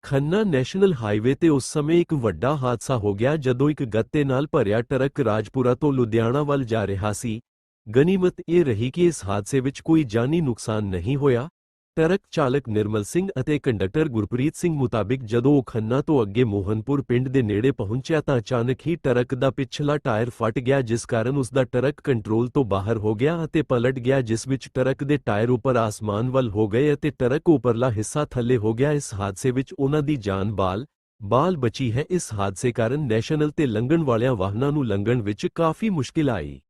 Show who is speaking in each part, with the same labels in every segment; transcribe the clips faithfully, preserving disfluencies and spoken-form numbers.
Speaker 1: Khanna national highway ਤੇ ਉਸ ਸਮੇਂ ਇੱਕ ਵੱਡਾ ਹਾਦਸਾ ਹੋ ਗਿਆ ਜਦੋਂ ਇੱਕ ਗੱਤੇ ਨਾਲ ਭਰਿਆ ਟਰੱਕ ਰਾਜਪੁਰਾ ਤੋਂ ਲੁਧਿਆਣਾ ਵੱਲ ਜਾ ਰਿਹਾ ਸੀ। ਗਨੀਮਤ ਇਹ ਰਹੀ ਕਿ ਇਸ ਹਾਦਸੇ ਵਿੱਚ ਕੋਈ ਜਾਨੀ ਨੁਕਸਾਨ ਨਹੀਂ ਹੋਇਆ। ਟਰੱਕ ਚਾਲਕ ਨਿਰਮਲ ਸਿੰਘ ਅਤੇ ਕੰਡਕਟਰ ਗੁਰਪ੍ਰੀਤ ਸਿੰਘ ਮੁਤਾਬਿਕ ਜਦੋਂ ਉਹ ਖੰਨਾ ਤੋਂ ਅੱਗੇ ਮੋਹਨਪੁਰ ਪਿੰਡ ਦੇ ਨੇੜੇ ਪਹੁੰਚਿਆ ਤਾਂ ਅਚਾਨਕ ਹੀ ਟਰੱਕ ਦਾ ਪਿਛਲਾ ਟਾਇਰ ਫਟ ਗਿਆ, ਜਿਸ ਕਾਰਨ ਉਸ ਦਾ ਟਰੱਕ ਕੰਟਰੋਲ ਤੋਂ ਬਾਹਰ ਹੋ ਗਿਆ ਅਤੇ ਪਲਟ ਗਿਆ, ਜਿਸ ਵਿੱਚ ਟਰੱਕ ਦੇ ਟਾਇਰ ਉੱਪਰ ਆਸਮਾਨ ਵੱਲ ਹੋ ਗਏ ਅਤੇ ਟਰੱਕ ਉੱਪਰਲਾ ਹਿੱਸਾ ਥੱਲੇ ਹੋ ਗਿਆ। ਇਸ ਹਾਦਸੇ ਵਿੱਚ ਉਨ੍ਹਾਂ ਦੀ ਜਾਨ ਬਾਲ ਬਾਲ ਬਚੀ ਹੈ। ਇਸ ਹਾਦਸੇ ਕਾਰਨ ਨੈਸ਼ਨਲ ਤੇ ਲੰਘਣ ਵਾਲਿਆਂ ਵਾਹਨਾਂ ਨੂੰ ਲੰਘਣ ਵਿੱਚ ਕਾਫੀ ਮੁਸ਼ਕਿਲ ਆਈ।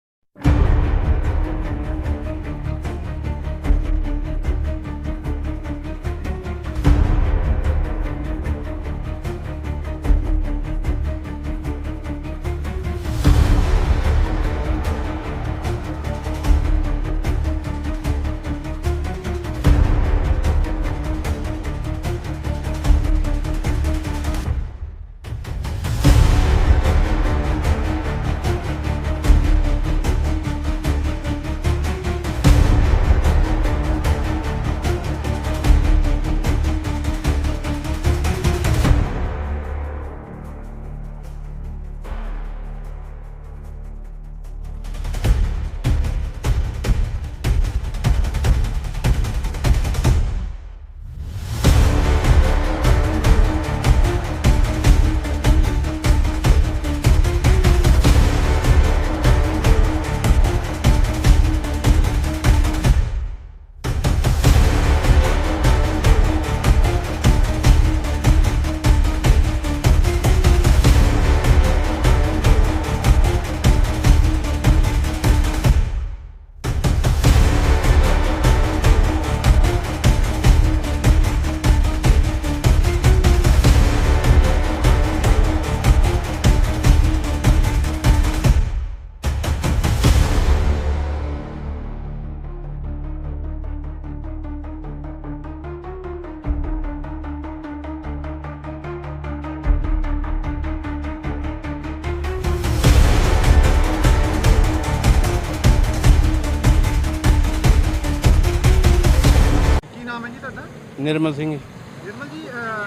Speaker 2: निर्मल सिंह।
Speaker 3: निर्मल जी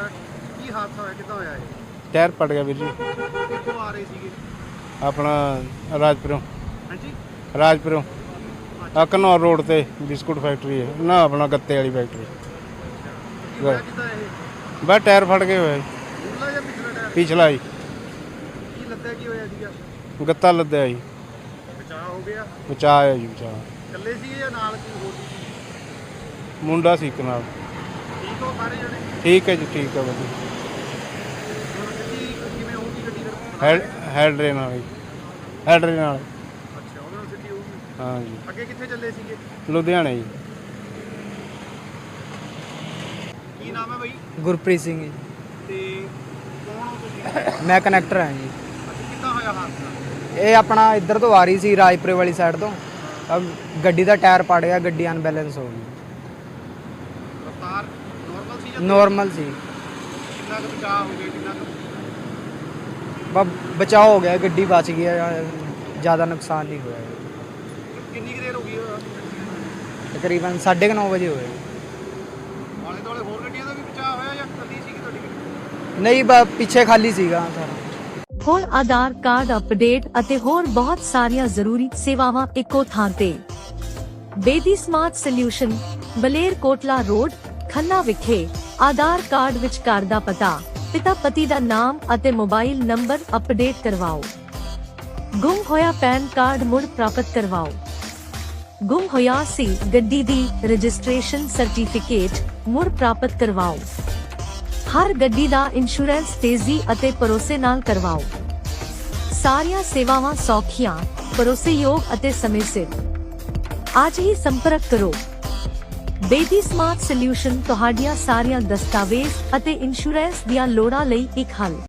Speaker 3: की हादसा होया कितना होया है?
Speaker 2: टायर पट गया वीर जी।
Speaker 3: कित्थों आ रहे सीगे?
Speaker 2: अपना राजपुरों।
Speaker 3: हाँ जी
Speaker 2: राजपुरों आ घनौर रोड ते बिस्कुट फैक्ट्री है ना, अपना गत्ते वाली फैक्ट्री।
Speaker 3: होया कितना है?
Speaker 2: बस टायर फट गए हुए
Speaker 3: पिछला या पिछला टायर?
Speaker 2: पिछला ही
Speaker 3: की लद्दा की होया सीगा?
Speaker 2: गत्ता लद्या जी।
Speaker 3: बचाव हो गया?
Speaker 2: बचा है जी बचा।
Speaker 3: कल्ले सीगे या नाल कोई होर सी?
Speaker 2: मुंडा सी एक नाल।
Speaker 3: ठीक हो सारे जने?
Speaker 2: ठीक है जी ठीक है भाई।
Speaker 3: ਹੁਣ ਗੱਡੀ ਕਿਵੇਂ ਹੋਊਗੀ ਗੱਡੀ ਫਿਰ?
Speaker 2: ਹੈਡ ਹੈਡਰੇ ਨਾਲ ਜੀ, ਹੈਡਰੇ ਨਾਲ।
Speaker 3: ਅੱਛਾ ਉਹਨਾਂ ਨੂੰ ਸਿੱਧੀ ਹੋਊਗੀ।
Speaker 2: ਹਾਂ ਜੀ।
Speaker 3: ਅੱਗੇ ਕਿੱਥੇ ਚੱਲੇ ਸੀਗੇ?
Speaker 2: ਲੁਧਿਆਣੇ ਜੀ।
Speaker 3: ਕੀ ਨਾਮ ਹੈ ਬਾਈ?
Speaker 4: ਗੁਰਪ੍ਰੀਤ ਸਿੰਘ ਜੀ।
Speaker 3: ਤੇ ਕੌਣ ਹੋ ਤੁਸੀਂ?
Speaker 4: ਮੈਂ ਕਨੈਕਟਰ ਹਾਂ ਜੀ।
Speaker 3: ਅੱਛਾ ਕਿੱਦਾਂ ਹੋਇਆ ਹਾਦਸਾ?
Speaker 4: ਇਹ ਆਪਣਾ ਇੱਧਰ ਤੋਂ ਆ ਰਹੀ ਸੀ ਰਾਜਪੁਰੇ ਵਾਲੀ ਸਾਈਡ ਤੋਂ, ਅਬ ਗੱਡੀ ਦਾ ਟਾਇਰ ਪੜ ਗਿਆ, ਗੱਡੀ ਅਨਬੈਲੈਂਸ ਹੋ ਗਈ।
Speaker 3: ਰਫਤਾਰ ਨਾਰਮਲ ਸੀ ਜਾਂ
Speaker 4: ਨੋਰਮਲ ਸੀ।
Speaker 3: ਕਿੰਨਾ ਕੁ ਬਚਾਅ ਹੋ ਗਿਆ? ਕਿੰਨਾ ਕੁ
Speaker 4: ਬਸ ਬਚਾਅ ਹੋ ਗਿਆ, ਗੱਡੀ ਬਚ ਗਈ, ज़्यादा नुकसान नहीं हुआ।
Speaker 3: ਕਿੰਨੀ ਕੁ ਦੇਰ ਹੋ ਗਈ?
Speaker 4: तकरीबन साढ़े नौ बजे हुए।
Speaker 3: ਆਲੇ ਦੁਆਲੇ ਹੋਰ ਗੱਡੀਆਂ ਦਾ ਵੀ ਬਚਾਅ ਹੋਇਆ ਜਾਂ ਕੱਲੀ ਸੀਗੀ ਤੁਹਾਡੀ ਗੱਡੀ?
Speaker 4: नहीं ब- पीछे खाली सीगा सारा।
Speaker 5: ਹੋਰ ਆਧਾਰ ਕਾਰਡ ਅਪਡੇਟ ਅਤੇ ਹੋਰ ਬਹੁਤ ਸਾਰੀਆਂ ਜ਼ਰੂਰੀ ਸੇਵਾਵਾਂ ਇੱਕੋ ਥਾਂ ਤੇ। ਬੇਦੀ ਸਮਾਰਟ ਸੋਲਿਊਸ਼ਨ, ਬਲੇਰ ਕੋਟਲਾ ਰੋਡ, ਖੰਨਾ ਵਿਖੇ। ਆਧਾਰ ਕਾਰਡ ਵਿੱਚ ਘਰ ਦਾ ਪਤਾ, ਪਿਤਾ ਪਤੀ ਦਾ ਨਾਮ ਅਤੇ ਮੋਬਾਈਲ ਨੰਬਰ ਅਪਡੇਟ ਕਰਵਾਓ। ਗੁੰਮ ਹੋਇਆ ਪੈਨ ਕਾਰਡ ਮੁੜ ਪ੍ਰਾਪਤ ਕਰਵਾਓ। ਗੁੰਮ ਹੋਇਆ ਸੀ ਗੱਡੀ ਦੀ ਰਜਿਸਟ੍ਰੇਸ਼ਨ ਸਰਟੀਫਿਕੇਟ ਮੁੜ ਪ੍ਰਾਪਤ ਕਰਵਾਓ। ਹਰ ਗੱਡੀ ਦਾ ਇੰਸ਼ੋਰੈਂਸ ਤੇਜ਼ੀ ਅਤੇ ਭਰੋਸੇ ਨਾਲ ਕਰਵਾਓ। ਸਾਰੀਆਂ ਸੇਵਾਵਾਂ ਸੌਖੀਆਂ, ਭਰੋਸੇਯੋਗ ਅਤੇ ਸਮੇਂ ਸਿਰ। ਅੱਜ ਹੀ ਸੰਪਰਕ ਕਰੋ। ਬੇਦੀ ਸਮਾਰਟ ਸੋਲਿਊਸ਼ਨ ਤੁਹਾਡੀਆਂ ਸਾਰੀਆਂ ਦਸਤਾਵੇਜ਼ ਅਤੇ ਇੰਸ਼ੋਰੈਂਸ ਦੀਆਂ ਲੋੜਾਂ ਲਈ ਇੱਕ ਹੱਲ।